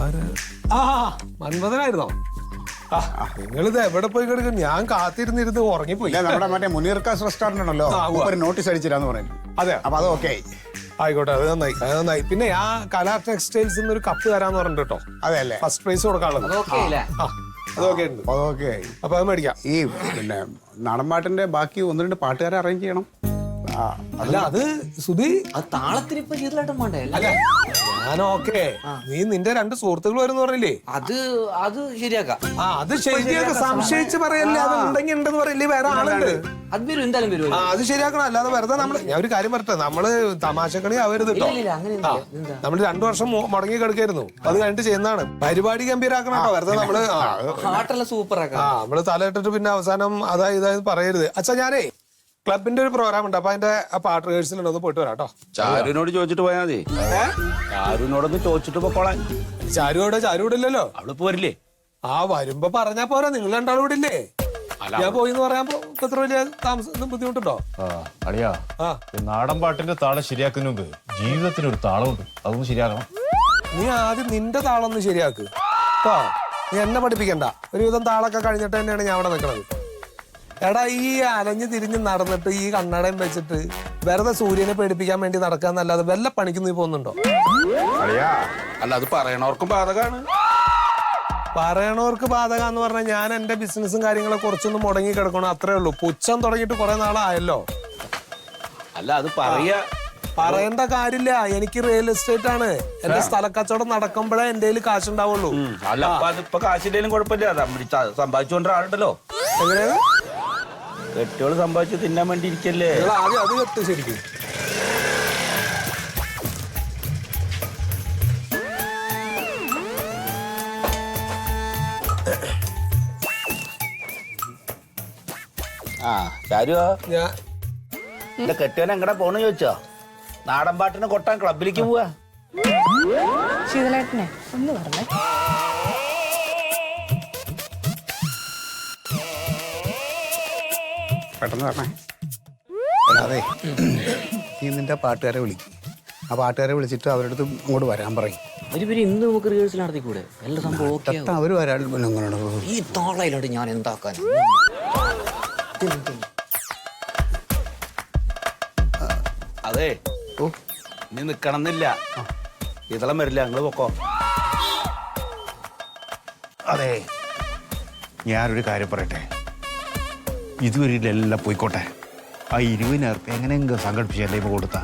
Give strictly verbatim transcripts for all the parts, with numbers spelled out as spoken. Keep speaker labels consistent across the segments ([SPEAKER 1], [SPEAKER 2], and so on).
[SPEAKER 1] ആ മൻമഥനായിരുന്നോ? നിങ്ങളിത് എവിടെ പോയി കിടക്കും? ഞാൻ കാത്തിരുന്നിരുന്ന് ഉറങ്ങിപ്പോയി.
[SPEAKER 2] നമ്മുടെ മറ്റേ മുനീർക്കാസ് റെസ്റ്റോറന്റ് ഉണ്ടല്ലോ, ഒരു നോട്ടീസ് അടിച്ചിരാന്ന് പറയുന്നു.
[SPEAKER 1] അതെ,
[SPEAKER 2] അപ്പൊ അത് ഓക്കെ ആയി.
[SPEAKER 1] ആയിക്കോട്ടെ, അത് നന്നായി, അത് നന്നായി. പിന്നെ ആ കലാ ടെക്സ്റ്റൈൽസ് ഒരു കപ്പ് തരാന്ന് പറഞ്ഞിട്ട് കേട്ടോ.
[SPEAKER 2] അതെ അല്ലേ?
[SPEAKER 1] ഫസ്റ്റ് പ്രൈസ് കൊടുക്കാനുള്ളത്. അതൊക്കെ ഉണ്ട്.
[SPEAKER 2] അതൊക്കെ ആയി.
[SPEAKER 1] അപ്പൊ അത് മേടിക്കാം.
[SPEAKER 2] ഈ പിന്നെ നാടൻപാട്ടിന്റെ ബാക്കി ഒന്ന് രണ്ട് പാട്ടുകാരെ അറേഞ്ച് ചെയ്യണം.
[SPEAKER 1] അല്ല അത് സുധി,
[SPEAKER 3] അത് താളത്തിന് ഇപ്പൊ ചെയ്തലായിട്ടും വേണ്ടേ?
[SPEAKER 1] അല്ല ഞാൻ ഓക്കെ, നീ നിന്റെ രണ്ട് സുഹൃത്തുക്കൾ വരുന്ന പറഞ്ഞില്ലേ,
[SPEAKER 3] അത് അത് ശരിയാക്കാം.
[SPEAKER 1] ആ അത് ശരിയാക്കാം. സംശയിച്ച് പറയല്ലേ, അത് ഉണ്ടെങ്കിൽ ഉണ്ടെന്ന് പറയില്ലേ, വേറെ ആളുണ്ട്.
[SPEAKER 3] അത് വരും, എന്തായാലും വരും.
[SPEAKER 1] ആ അത് ശരിയാക്കണം. അല്ലാതെ വെറുതെ നമ്മള്, ഞാൻ ഒരു കാര്യം പറട്ടെ, നമ്മള് തമാശക്കണി ആവരുത് കേട്ടോ. നമ്മള് രണ്ടു വർഷം മുടങ്ങി കിടക്കായിരുന്നു, അത് കഴിഞ്ഞിട്ട് ചെയ്യുന്നതാണ്. പരിപാടി ഗംഭീരാക്കണം കേട്ടോ. വെറുതെ നമ്മള്
[SPEAKER 3] പാട്ടെല്ലാം സൂപ്പർ ആക്കാം.
[SPEAKER 1] ആ നമ്മള് തലയിട്ടിട്ട് പിന്നെ അവസാനം അതാ ഇതായത് പറയരുത്. അച്ഛാ ഞാനേ ക്ലബിന്റെ ഒരു പ്രോഗ്രാം ഉണ്ട്, അപ്പൊ അതിന്റെ പാട്ട് റിഹേഴ്സൽ ഒന്ന് പോയിട്ട് വരാം കേട്ടോ.
[SPEAKER 4] ചാരുവിനോട് ചോദിച്ചിട്ട് പോയാൽ മതി. ചാരുവിനോടൊന്ന് ചോദിച്ചിട്ട് പോക്കോളാൻ.
[SPEAKER 1] ചാരുവിടെ ചാരുവിടെ ഇല്ലല്ലോ.
[SPEAKER 4] അവള് പോരില്ലേ?
[SPEAKER 1] ആ വരുമ്പോ പറഞ്ഞാ പോരാ, നിങ്ങൾ രണ്ടാളും ഇവിടെ ഇല്ലേ? ഞാൻ പോയിന്ന് പറയാമ്പോ ഇത്ര വലിയ താമസം ബുദ്ധിമുട്ടുണ്ടോ?
[SPEAKER 5] അളിയാ, നാടൻ പാട്ടിന്റെ താളം ശരിയാക്കുന്നതിന് മുമ്പ് ജീവിതത്തിന് ഒരു താളമുണ്ട്, അതൊന്നും ശരിയാക്കണം.
[SPEAKER 1] നീ ആദ്യം നിന്റെ താളം ഒന്ന് ശരിയാക്ക് കേട്ടോ. നീ എന്നെ പഠിപ്പിക്കണ്ട. ഒരുവിധം താളൊക്കെ കഴിഞ്ഞിട്ട് തന്നെയാണ് ഞാൻ അവിടെ നിൽക്കുന്നത്. എടാ ഈ അലഞ്ഞു തിരിഞ്ഞ് നടന്നിട്ട് ഈ കണ്ണടയും വെച്ചിട്ട് വെറുതെ സൂര്യനെ പേടിപ്പിക്കാൻ വേണ്ടി നടക്കാന്നല്ലാതെ വല്ല പണിക്ക് നീ പോകുന്നുണ്ടോ?
[SPEAKER 4] അല്ല അത് പറയണവർക്കും ബാധകാണ്.
[SPEAKER 1] പറയണവർക്ക് ബാധക എന്ന് പറഞ്ഞാൽ ഞാൻ എന്റെ ബിസിനസ്സും കാര്യങ്ങളെ കുറച്ചൊന്നും മുടങ്ങി കിടക്കണം, അത്രേ ഉള്ളൂ. പുച്ഛം തുടങ്ങിയിട്ട് കുറെ നാളായല്ലോ.
[SPEAKER 4] അല്ല അത് പറയാ
[SPEAKER 1] പറയേണ്ട കാര്യമില്ല. എനിക്ക് റിയൽ എസ്റ്റേറ്റ് ആണ്. എന്റെ സ്ഥലക്കച്ചവടം നടക്കുമ്പോഴേ എന്റെ കയ്യിൽ കാശുണ്ടാവുള്ളൂ.
[SPEAKER 4] അല്ല അപ്പൊ അതിപ്പോ കാശിന്റെയും കുഴപ്പമില്ല, സമ്പാദിച്ചുകൊണ്ട ആളുണ്ടല്ലോ.
[SPEAKER 1] എങ്ങനെയാണ്
[SPEAKER 4] കെട്ടിയോള് സമ്പാദിച്ച് തിന്നാൻ വേണ്ടി ഇരിക്കല്ലേ?
[SPEAKER 1] ആദ്യം അത് കെട്ട് ശരിക്കും.
[SPEAKER 4] ആ ചാരുവോ,
[SPEAKER 1] ഞാൻ
[SPEAKER 4] എന്റെ കെട്ടിയോൻ എങ്ങടെ പോണെന്ന് ചോദിച്ചോ? നാടൻ പാട്ടിനെ കൊട്ടാൻ ക്ലബിലേക്ക് പോവാ.
[SPEAKER 6] ശീതളേട്ടനെ ഒന്ന് പറഞ്ഞേ.
[SPEAKER 2] പെട്ടെന്ന് പറഞ്ഞേ. അതെ, നീ നിന്റെ പാട്ടുകാരെ വിളിക്കും. ആ പാട്ടുകാരെ വിളിച്ചിട്ട് അവരുടെ അടുത്ത് ഇങ്ങോട്ട് വരാൻ പറയും.
[SPEAKER 3] അവര് ഇന്ന് നമുക്ക് റിഹേഴ്സൽ നടത്തിക്കൂടെ? എല്ലാ സംഭവം
[SPEAKER 2] അവര് വരാൻ
[SPEAKER 3] ഈ താളയിലോട്ട് ഞാൻ എന്താക്കാൻ?
[SPEAKER 4] അതെ, ഓ ഇനി നിക്കണമെന്നില്ല, ഇതളം വരില്ല, നിങ്ങള് പൊക്കോ.
[SPEAKER 2] അതെ, ഞാനൊരു കാര്യം പറയട്ടെ. ഇതുവരെ എല്ലാം പോയിക്കോട്ടെ. ആ ഇരുപതിനായിരം റുപ്യ എങ്ങനെയെങ്കിലും സംഘടിപ്പിച്ചല്ലേ ഇപ്പൊ കൊടുത്താ.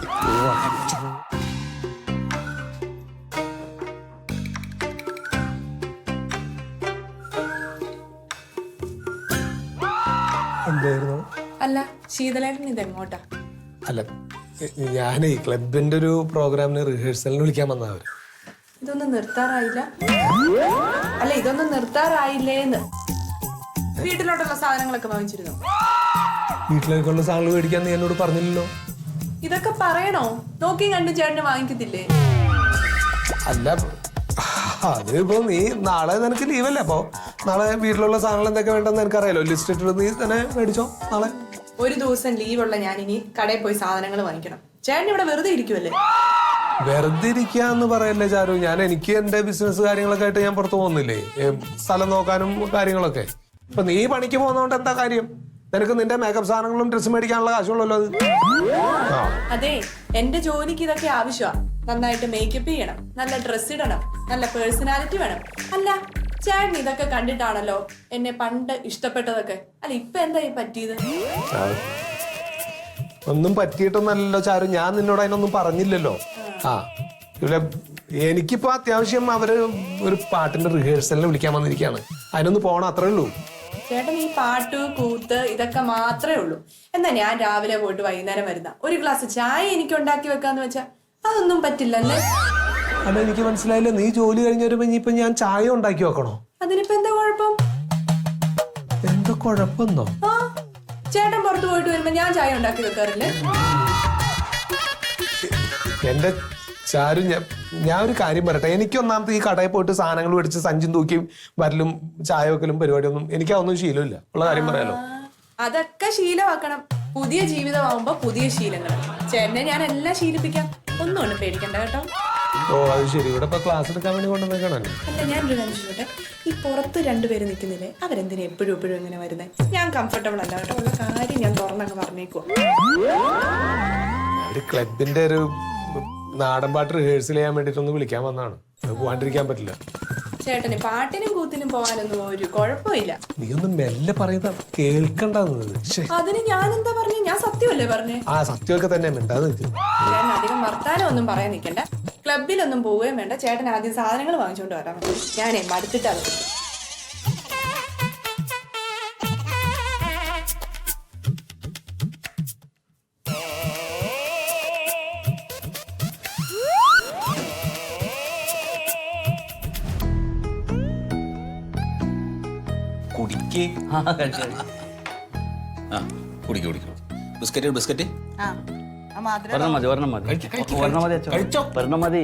[SPEAKER 1] എന്തായിരുന്നു?
[SPEAKER 6] അല്ല ശീതളേട്ടൻ ഇതെങ്ങോട്ടാ?
[SPEAKER 1] അല്ല ഞാനേ ക്ലബിന്റെ ഒരു പ്രോഗ്രാമിന് റിഹേഴ്സലിന് വിളിക്കാൻ വന്നവര്.
[SPEAKER 6] ഇതൊന്നും നിർത്താറായില്ല? അല്ല ഇതൊന്നും നിർത്താറായില്ലേന്ന്. വീട്ടിലോട്ടുള്ള സാധനങ്ങളൊക്കെ വാങ്ങിച്ചിരുന്നു?
[SPEAKER 1] വീട്ടിലേക്കുള്ള സാധനങ്ങൾ മേടിക്കാൻ നീ എന്നോട് പറഞ്ഞില്ലല്ലോ.
[SPEAKER 6] ഇതൊക്കെ പറയണോ? നോക്കി കണ്ടു ചേട്ടന് വാങ്ങിക്കത്തില്ലേ?
[SPEAKER 1] അല്ല അതിപ്പോ നീ നാളെ നിനക്ക് ലീവല്ലേ, അപ്പൊ നാളെ വീട്ടിലുള്ള സാധനങ്ങൾ എന്തൊക്കെ വേണ്ടെന്ന് എനിക്കറിയാലോ. ലിസ്റ്റ് ഇട്ടിട്ട് നീ തന്നെ മേടിച്ചോ നാളെ.
[SPEAKER 6] ഒരു ദിവസം ലീവുള്ള ഞാനിനി കടയിൽ പോയി സാധനങ്ങൾ വാങ്ങിക്കണം. ചേട്ടൻ ഇവിടെ വെറുതെ ഇരിക്കുമല്ലേ?
[SPEAKER 1] വെറുതെ ഇരിക്കാന്ന് പറയല്ലേ ചാരു. ഞാൻ എനിക്ക് എന്റെ ബിസിനസ് കാര്യങ്ങളൊക്കെ ആയിട്ട് ഞാൻ പുറത്തു പോകുന്നില്ലേ, സ്ഥലം നോക്കാനും കാര്യങ്ങളൊക്കെ. ഇപ്പൊ നീ പണിക്ക് പോകുന്നോണ്ട് എന്താ കാര്യം? നിനക്ക് നിന്റെ മേക്കപ്പ് സാധനങ്ങളും ഡ്രസ്സ് മേടിക്കാനുള്ള കാശുള്ളല്ലോ അത്.
[SPEAKER 6] അതെ, എന്റെ ജോലിക്ക് ഇതൊക്കെ ആവശ്യമാണ്. നന്നായിട്ട് മേക്കപ്പ് ചെയ്യണം, നല്ല ഡ്രസ് ഇടണം, നല്ല പേഴ്സണാലിറ്റി വേണം. അല്ല ചേട്ടൻ ഇതൊക്കെ കണ്ടിട്ടാണല്ലോ എന്നെ പണ്ട് ഇഷ്ടപ്പെട്ടതൊക്കെ. അല്ല ഇപ്പൊ എന്താ ഈ പറ്റിയത്?
[SPEAKER 1] ഒന്നും പറ്റിയിട്ടൊന്നല്ലോ ചാരു, ഞാൻ നിന്നോട് അതിനൊന്നും പറഞ്ഞില്ലല്ലോ. ആ ഇവിടെ എനിക്കിപ്പോ അത്യാവശ്യം അവര് ഒരു പാട്ടിന്റെ റിഹേഴ്സലിന് വിളിക്കാൻ വന്നിരിക്കുകയാണ്, അതിനൊന്ന് പോണം, അത്രേ ഉള്ളൂ.
[SPEAKER 6] ചേട്ടൻ ഈ പാട്ട് കൂത്ത് ഇതൊക്കെ മാത്രമേ ഉള്ളൂ. എന്നാ ഞാൻ രാവിലെ പോയിട്ട് വൈകുന്നേരം വരുന്ന ഒരു ഗ്ലാസ് ചായ എനിക്ക് ഉണ്ടാക്കി വെക്കാന്ന് വെച്ചാ അതൊന്നും പറ്റില്ലല്ലേ?
[SPEAKER 1] അല്ല എനിക്ക് മനസ്സിലായില്ല, നീ ജോലി കഴിഞ്ഞ് വരുമ്പോ ഇനിയിപ്പൊ ഞാൻ ചായ ഉണ്ടാക്കി വെക്കണോ?
[SPEAKER 6] അതിനിപ്പോ എന്താ കുഴപ്പം?
[SPEAKER 1] എന്താ കുഴപ്പമെന്നോ?
[SPEAKER 6] ആ ചേട്ടൻ പുറത്തു പോയിട്ട് വരുമ്പോ ഞാൻ ചായ ഉണ്ടാക്കി വെക്കാറില്ലേ?
[SPEAKER 1] എന്റെ ചാരു, ഞാൻ ഞാൻ ഒരു കാര്യം പറയട്ടെ. എനിക്ക് ഒന്നാമത്തെ ഈ കടയിൽ പോയിട്ട് സാധനങ്ങൾ മേടിച്ച് സഞ്ചും തൂക്കിയും വരലും ചായ വെക്കലും പരിപാടിയൊന്നും എനിക്ക് അതൊന്നും ശീലമില്ല, ഉള്ള കാര്യം പറയാലോ.
[SPEAKER 6] അതൊക്കെ ശീലമാക്കണം. പുതിയ ജീവിതമാകുമ്പോ പുതിയ ശീലങ്ങൾ. ചേട്ടനെ ഞാൻ എല്ലാം ശീലിപ്പിക്കാം, ഒന്നും പേടിക്കണ്ട കേട്ടോ.
[SPEAKER 1] ഓ അത് ശരി, ഇവിടെ ഇപ്പൊ ക്ലാസ് എടുക്കാൻ വേണ്ടി കൊണ്ടുവന്നേക്കണല്ലോ.
[SPEAKER 6] അല്ല ഞാനൊരു കാര്യം ചോദിച്ചോട്ടെ, ഈ പുറത്ത് രണ്ടുപേര് നിൽക്കുന്നില്ലേ, അവരെന്തിനാ എപ്പോഴും എപ്പോഴും ഇങ്ങനെ വരുന്നത്? ഞാൻ കംഫർട്ടബിൾ അല്ല കേട്ടോ, ഉള്ള കാര്യം ഞാൻ തുറന്നങ്ങ് പറഞ്ഞേക്കുവാ.
[SPEAKER 1] ഒരു ക്ലബിന്റെ ഒരു നാടൻ പാട്ട് റിഹേഴ്സൽ ചെയ്യാൻ വേണ്ടിട്ടൊന്ന് വിളിക്കാൻ വന്നതാണ്. അത് പോവാണ്ടിരിക്കാൻ പറ്റില്ല.
[SPEAKER 6] ചേട്ടന് പാട്ടിനും കൂത്തിനും പോകാനൊന്നും ഒരു കുഴപ്പമില്ല.
[SPEAKER 1] നീ ഒന്ന് മെല്ലെ പറയുന്ന കേൾക്കണ്ടെന്നത്.
[SPEAKER 6] അതിന് ഞാൻ എന്താ പറഞ്ഞു? ഞാൻ സത്യമല്ലേ പറഞ്ഞേ?
[SPEAKER 1] ആ സത്യമൊക്കെ തന്നെ മിണ്ടാതെ നിൽക്കും.
[SPEAKER 6] ചേട്ടൻ അധികം വർത്താനം ഒന്നും പറയാൻ നിൽക്കണ്ട. ക്ലബിലൊന്നും പോവുകയും വേണ്ട. ചേട്ടൻ ആദ്യം സാധനങ്ങൾ വാങ്ങിച്ചോണ്ട് വരാൻ പറ്റും. ഞാനേ മടുത്തിട്ടാണ്.
[SPEAKER 7] കുടിക്ക്
[SPEAKER 3] ആ കഴിച്ചു
[SPEAKER 7] ആ കുടിക്ക് കുടിക്ക് ബിസ്ക്കറ്റ് ബിസ്ക്കറ്റ്
[SPEAKER 3] ഒരെണ്ണം മതി ഒരെണ്ണം മതി ഒരെണ്ണം മതി അച്ഛോ ഒരെണ്ണം മതി.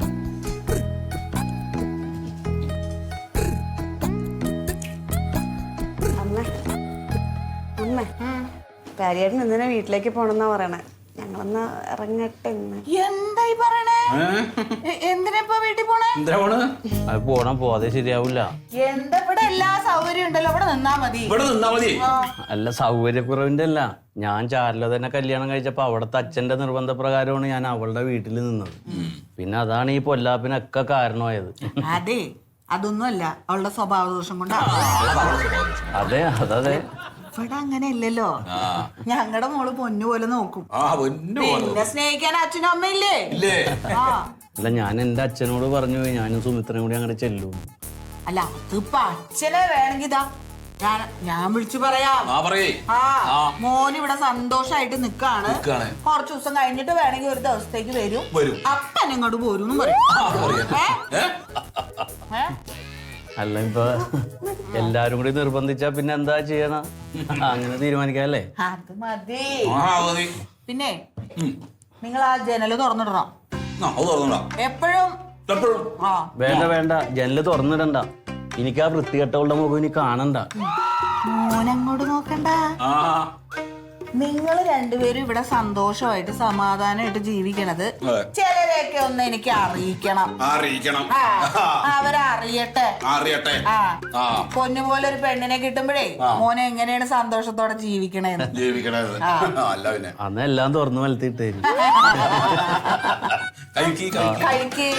[SPEAKER 8] അമ്മ അമ്മ കാര്യമായിട്ട് എന്തിനാ വീട്ടിലേക്ക് പോണെന്നാ പറയണേ. ഞങ്ങളൊന്ന് ഇറങ്ങട്ടെ ഇന്ന്.
[SPEAKER 9] എന്തായി പറയണേ? എന്തിനാ ഇപ്പൊ വീട്ടിൽ പോണേ?
[SPEAKER 7] എന്തിനാ പോണ്?
[SPEAKER 3] അത് പോണം, പോവാതെ ശരിയാവില്ല.
[SPEAKER 9] എന്താ ഇവിടെ എല്ലാ സൗകര്യം ഉണ്ടല്ലോ, ഇവിടെ നിന്നാ മതി.
[SPEAKER 7] ഇവിടെ നിന്നാ മതി.
[SPEAKER 3] അല്ല സൗകര്യക്കുറവിന്റെ അല്ല, ഞാൻ ചാരില തന്നെ കല്യാണം കഴിച്ചപ്പോ അവിടുത്തെ അച്ഛന്റെ നിർബന്ധപ്രകാരമാണ് ഞാൻ അവളുടെ വീട്ടിൽ നിന്നത്. പിന്നെ അതാണ് ഈ പൊല്ലാപ്പിനൊക്കെ കാരണമായത്.
[SPEAKER 9] അതെ, അതൊന്നുമല്ല, അവളുടെ സ്വഭാവ ദോഷം കൊണ്ടാ.
[SPEAKER 3] അതെ അതതെ.
[SPEAKER 9] ഇവിടെ അങ്ങനെ ഇല്ലല്ലോ. ഞങ്ങളുടെ മോള് പൊന്നു പോലെ നോക്കും.
[SPEAKER 7] ആ പൊന്നു പോലെ.
[SPEAKER 9] പിന്നെ സ്നേഹിക്കാൻ അച്ഛനും അമ്മയില്ലേ?
[SPEAKER 7] ഇല്ലേ?
[SPEAKER 9] ആ
[SPEAKER 3] അല്ല ഞാൻ എന്റെ അച്ഛനോട് പറഞ്ഞു ഞാനും സുമിത്രയും കൂടി അങ്ങനെ ചെല്ലും.
[SPEAKER 9] അല്ല അതിപ്പോ അച്ഛനെ വേണമെങ്കിൽ ഇതാ ഞാൻ ഞാൻ വിളിച്ചു പറയാം.
[SPEAKER 7] ആ പറയേ.
[SPEAKER 9] ആ മോന് ഇവിടെ സന്തോഷായിട്ട് നിക്കാണ്.
[SPEAKER 7] നിക്കാണ്.
[SPEAKER 9] കുറച്ചു ദിവസം കഴിഞ്ഞിട്ട് വേണമെങ്കിൽ ഒരു ദിവസത്തേക്ക് വരും.
[SPEAKER 7] വരും.
[SPEAKER 9] അപ്പൻ ഇങ്ങോട്ട് പോരും പറയും. ഏ? ഏ?
[SPEAKER 3] അല്ല ഇപ്പൊ എല്ലാരും കൂടി നിർബന്ധിച്ചാ പിന്നെ എന്താ ചെയ്യണ? അങ്ങനെ തീരുമാനിക്കാല്ലേ?
[SPEAKER 9] അത് മതി.
[SPEAKER 7] ആ മതി.
[SPEAKER 9] പിന്നെ നിങ്ങൾ ആ ജനല് തുറന്നിടണം
[SPEAKER 7] ആ അത് തുറന്നോടാ
[SPEAKER 9] എപ്പോഴും.
[SPEAKER 7] എപ്പോഴും.
[SPEAKER 9] ആ
[SPEAKER 3] വേണ്ട വേണ്ട, ജനല് തുറന്നിടണ്ട. എനിക്ക് ആ വൃത്തികെട്ടവളുടെ മുഖം ഇനി കാണണ്ട.
[SPEAKER 9] മോനങ്ങോട്ട് നോക്കണ്ട.
[SPEAKER 7] ആ
[SPEAKER 9] നിങ്ങൾ രണ്ടുപേരും ഇവിടെ സന്തോഷമായിട്ട് സമാധാനമായിട്ട് ജീവിക്കണത്
[SPEAKER 7] അതെ.
[SPEAKER 9] ചിലരെയൊക്കെ ഒന്ന് എനിക്ക് അറിയിക്കണം.
[SPEAKER 7] അറിയിക്കണം.
[SPEAKER 9] ആ അവരറിയട്ടെ.
[SPEAKER 7] അറിയട്ടെ.
[SPEAKER 9] ആ
[SPEAKER 7] ആ
[SPEAKER 9] പൊന്നു പോലെ ഒരു പെണ്ണിനെ കിട്ടുമ്പോഴേ മോനെ എങ്ങനെയാണ് സന്തോഷത്തോടെ ജീവിക്കണേന്ന്.
[SPEAKER 7] ജീവിക്കണത്. അല്ല പിന്നെ
[SPEAKER 3] അന്ന് എല്ലാം തുറന്നു വലത്തിട്ടേ.
[SPEAKER 7] കഴിക്ക് കഴിക്ക്.
[SPEAKER 9] കഴിക്ക്.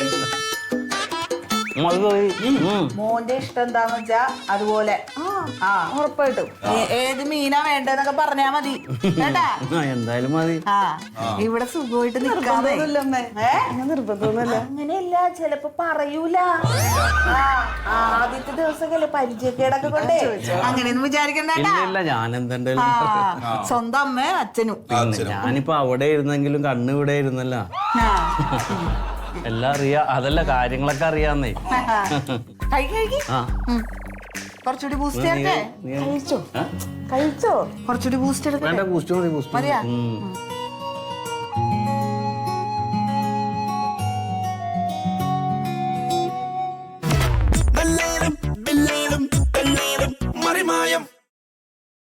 [SPEAKER 3] അത് പോയി. ഉം.
[SPEAKER 9] മോന്റെ ഇഷ്ടം എന്താന്ന് വെച്ചാ അതുപോലെ. ആ ഉറപ്പായിട്ടും ഏ- ഏത് മീനാ വേണ്ടെന്നൊക്കെ പറഞ്ഞാ മതി കേട്ടാ.
[SPEAKER 3] ആ, എന്തായാലും മതി.
[SPEAKER 9] ആ ഇവിടെ സുഖമായിട്ട് നിൽക്കാതെ. ഏ?
[SPEAKER 8] നിർബന്ധമൊന്നുമില്ല.
[SPEAKER 9] അങ്ങനെയല്ല, ചിലപ്പോ പറയൂല. ആ, ആദ്യത്തെ ദിവസമല്ലേ പരിചയക്കേടൊക്കെ കൊണ്ടേ അങ്ങനെയൊന്നും വിചാരിക്കണ്ട.
[SPEAKER 3] ഇല്ല ഇല്ല, ഞാൻ എന്തെങ്കിലും
[SPEAKER 9] ആ സ്വന്തം അമ്മ അച്ഛനും.
[SPEAKER 3] ഞാനിപ്പോ അവിടെ ഇരുന്നെങ്കിലും കണ്ണ് ഇവിടെ ഇരുന്നല്ല.
[SPEAKER 9] ആ.
[SPEAKER 3] എല്ലാം അറിയാ, അതല്ല കാര്യങ്ങളൊക്കെ അറിയാന്നേ.
[SPEAKER 9] കഴിക്ക് കഴിക്ക്.
[SPEAKER 3] ആ
[SPEAKER 9] ഉം. കുറച്ചുകൂടി ബൂസ്റ്റ് ചേർക്കേ.
[SPEAKER 3] നീ
[SPEAKER 8] കഴിച്ചോ കഴിച്ചോ?
[SPEAKER 9] കുറച്ചുകൂടി ബൂസ്റ്റ് എടുക്കട്ടെ.
[SPEAKER 3] വേണ്ട, ബൂസ്റ്റ് മതി, ബൂസ്റ്റ് മതി.
[SPEAKER 9] മതിയാ?
[SPEAKER 3] ഉം.
[SPEAKER 9] ഉം.